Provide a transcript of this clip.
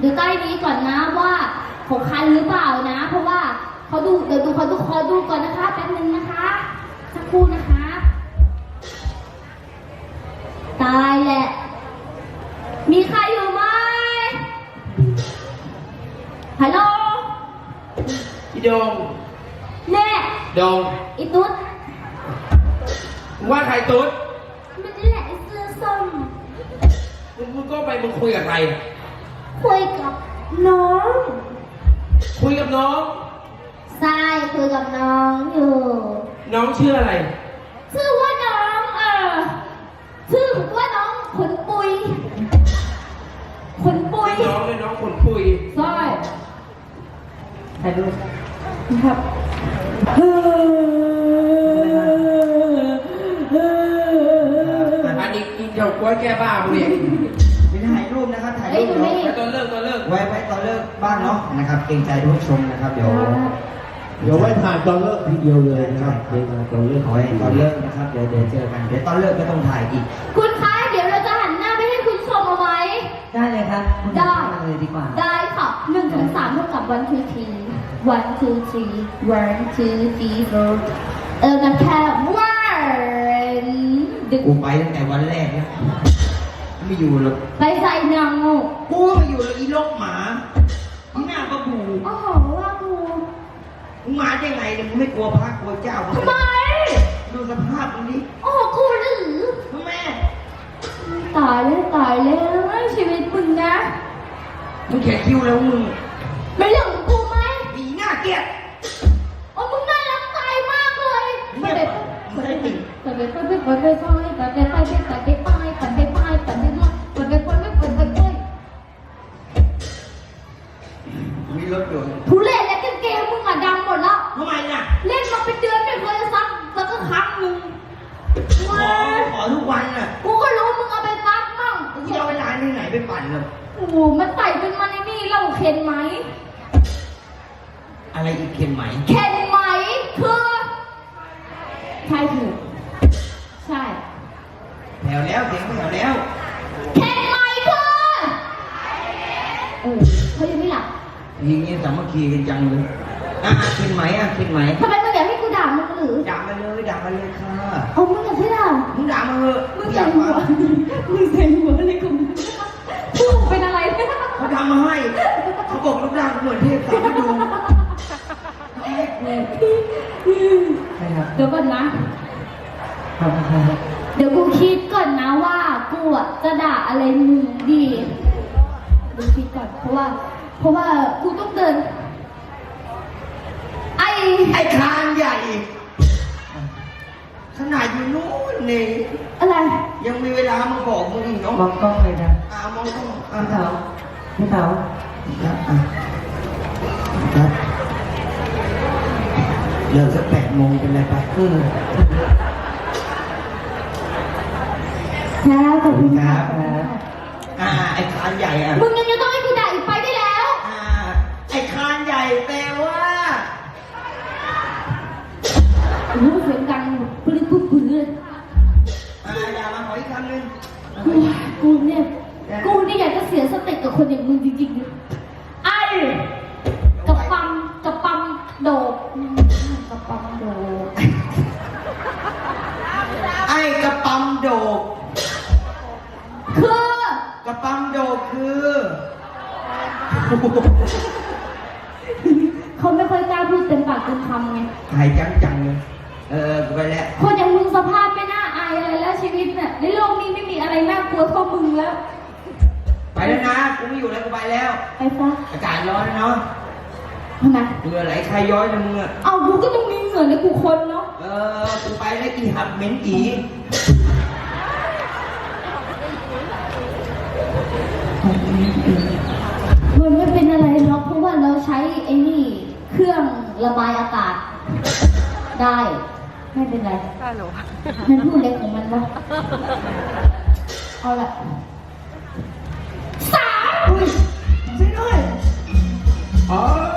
ดูใต้นี้ก่อนนะว่าของคันหรือเปล่านะเพราะว่าเขาดูเดี๋ยวดูเขาดูคอดูก่อนนะคะแป๊บนึงนะคะสักครู่นะคะตายแหละมีใครอยู่ไหมฮัลโหลอีโดงแน่โดงอีตุ๊ดว่าใครตุ๊ดมันนี่แหละไอ้เสื้อส้มมึงก็ไปมึงคุยกับใครคุยกับน้องคุยกับน้องใช่คุยกับน้องอยู่น้องชื่ออะไรชื่อว่าน้องชื่อว่าน้องขนปุยขนปุยน้องเลยน้องขนปุยใช่ถ่ายรูปครับอันนี้กินเฉาก๊วยแก้บ้ามึงเนี่ยไม่ถ่ายรูปนะครับถ่ายรูปเนาะไว้ตอนเลิกไว้ตอนเลิกบ้างเนาะนะครับเกรงใจทุกชมนะครับเดี๋ยวไว้ถ่ายตอนเลิกทีเดียวเลยนะครับเดี๋ยวตอนเลิกเอาไว้ตอนเลิกนะครับเดี๋ยวเจอกันเดี๋ยวตอนเลิกก็ต้องถ่ายอีกคุณคะเดี๋ยวเราจะหันหน้าไปให้คุณชมเอาไว้ได้เลยครับได้เลยดีกว่าได้ค่ะ1 ถึง 3เท่ากับ 1 2 3 1 2 3 1 2 3 4กันแค่วันกูไปตั้งแต่วันแรกแล้วไม่อยู่หรอกไปใส่หนังกูไม่อยู่แล้วอีลกหมาอีหน้าประบูโอ้โหว่ากูมึงมาได้ไงเนี่ยมึงไม่กลัวพระกลัวเจ้าทำไมดูสภาพมึงนี้โอ้โหกูหรือแม่ตายแล้วชีวิตมึงนะมึงแขกคิ้วแล้วมึงไม่เรื่องของกูไหมอีหน้าเกลียดโอ้มึงน่ารักตายมากเลยไม่ได้ติ่งมีรถยนต์ทุเรศและกางเกงมึงอะดำหมดแล้วทำไมน่ะเล่นมาเป็นเดือนไม่เคยซักสักครั้งนึงขอทุกวันน่ะกูก็รู้มึงเอาไปซักมั่งกูจะเอาเวลาที่ไหนไปปั่นเลยโอ้โหมันใส่เป็นมันในนี่เราเข็นไหมอะไรอีกเข็นไหมเข็นไหมคือใช่ถูกใช่แถวแล้วเสียงแถวแล้วเข็นไหมคือเขายังไม่หลับยิงเงี้ยสามัคคีกันจังเลยเข็นไหมเข็นไหมทำไมมึงอยากให้กูด่ามึงหรือด่ามาเลยค่ะเอามึงอยากให้ด่ามึงด่ามาเถอะมึงใส่หัวอะไรกูพูดเป็นอะไรเขาทำมาให้เขาบอกรูปร่างเหมือนเทพสามฤดูเดี๋ยวก่อนนะเดี๋ยวกูคิดก่อนนะว่ากูจะด่าอะไรมึงดีดูคิดก่อนเพราะว่ากูต้องเดินไอ้คานใหญ่ขนาดอยู่นู้นนี่อะไรยังมีเวลามาบอกมึงอีกเนาะมองกล้องเลยนะมองกล้องพี่เต๋าครับเลิกสัก8 โมงเป็นไรไปแล้วขอบคุณครับไอ้คานใหญ่มึงยังจะต้องให้กูด่าอีกไปได้แล้วไอ้คานใหญ่แปลว่าเสียงดังปืนเลยอย่ามาขออีกคำนึงกูเนี่ยอยากจะเสียสติกับคนอย่างมึงจริงๆไอ้กระปั๊มโดกกระปั๊มโดกไอ้กระปั๊มโดกคือกระปั๊มโดกคือเขาไม่ค่อยกล้าพูดเต็มปากเต็มคำไงหายจังเลยกูไปแล้วคนอย่างมึงสภาพไม่น่าอายอะไรแล้วชีวิตเนี่ยในโลกนี้ไม่มีอะไรน่ากลัวเท่ามึงแล้วไปแล้วนะกูไม่อยู่แล้วกูไปแล้วไปซะอากาศร้อนเนาะทำไมเหงื่อไหลใครย้อยนะมึงเอากูก็ต้องมีเหงื่อในกูคนเนาะกูไปแล้วอีหับเหม็นอีมันไม่เป็นอะไรหรอกเพราะว่าเราใช้ไอ้นี่เครื่องระบายอากาศได้ไม่เป็นไรมันพูดเล็กของมันวะเอาละ3 ใช่ด้วย